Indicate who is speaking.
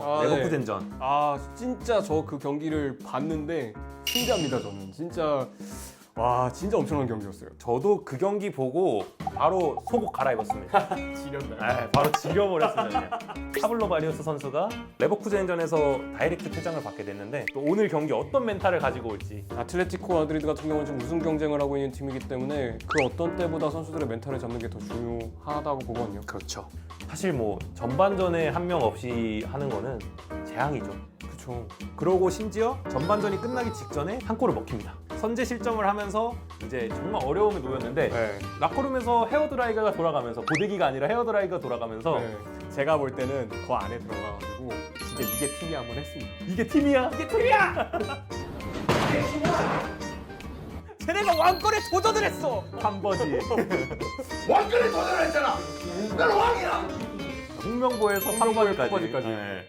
Speaker 1: 레버쿠젠전.
Speaker 2: 진짜 저 그 경기를 봤는데 신기합니다. 저는 진짜 진짜 엄청난 경기였어요.
Speaker 1: 저도 그 경기 보고 바로 속옷 갈아입었습니다.
Speaker 2: 지렸나요?
Speaker 1: 바로 지려버렸습니다. 그냥. 파블로 바리우스 선수가 레버쿠젠전에서 다이렉트 퇴장을 받게 됐는데 또 오늘 경기 어떤 멘탈을 가지고 올지.
Speaker 2: 아틀레티코 마드리드 같은 경우는 지금 우승 경쟁을 하고 있는 팀이기 때문에 그 어떤 때보다 선수들의 멘탈을 잡는 게 더 중요하다고 보거든요.
Speaker 1: 그렇죠. 사실 뭐 전반전에 한 명 없이 하는 거는 재앙이죠.
Speaker 2: 그렇죠.
Speaker 1: 그러고 심지어 전반전이 끝나기 직전에 한 골을 먹힙니다. 선제 실점을 하면서 이제 정말 어려움에 놓였는데
Speaker 2: 네.
Speaker 1: 라커룸에서 헤어드라이어가 돌아가면서 고데기가 아니라 헤어드라이어가 돌아가면서
Speaker 2: 네. 제가 볼 때는 그 안에 들어가가지고 진짜 이게 팀이 한번 했습니다.
Speaker 1: 이게 팀이야! 이게 팀이야!
Speaker 2: 쟤네가 왕권에 도전을 했어.
Speaker 1: 한 번이
Speaker 3: 왕권에 도전을 했잖아. 나는 왕이야.
Speaker 1: 홍명보에서
Speaker 2: 홍명보에
Speaker 1: 3번까지.
Speaker 2: 퍼버지까지.
Speaker 1: 네.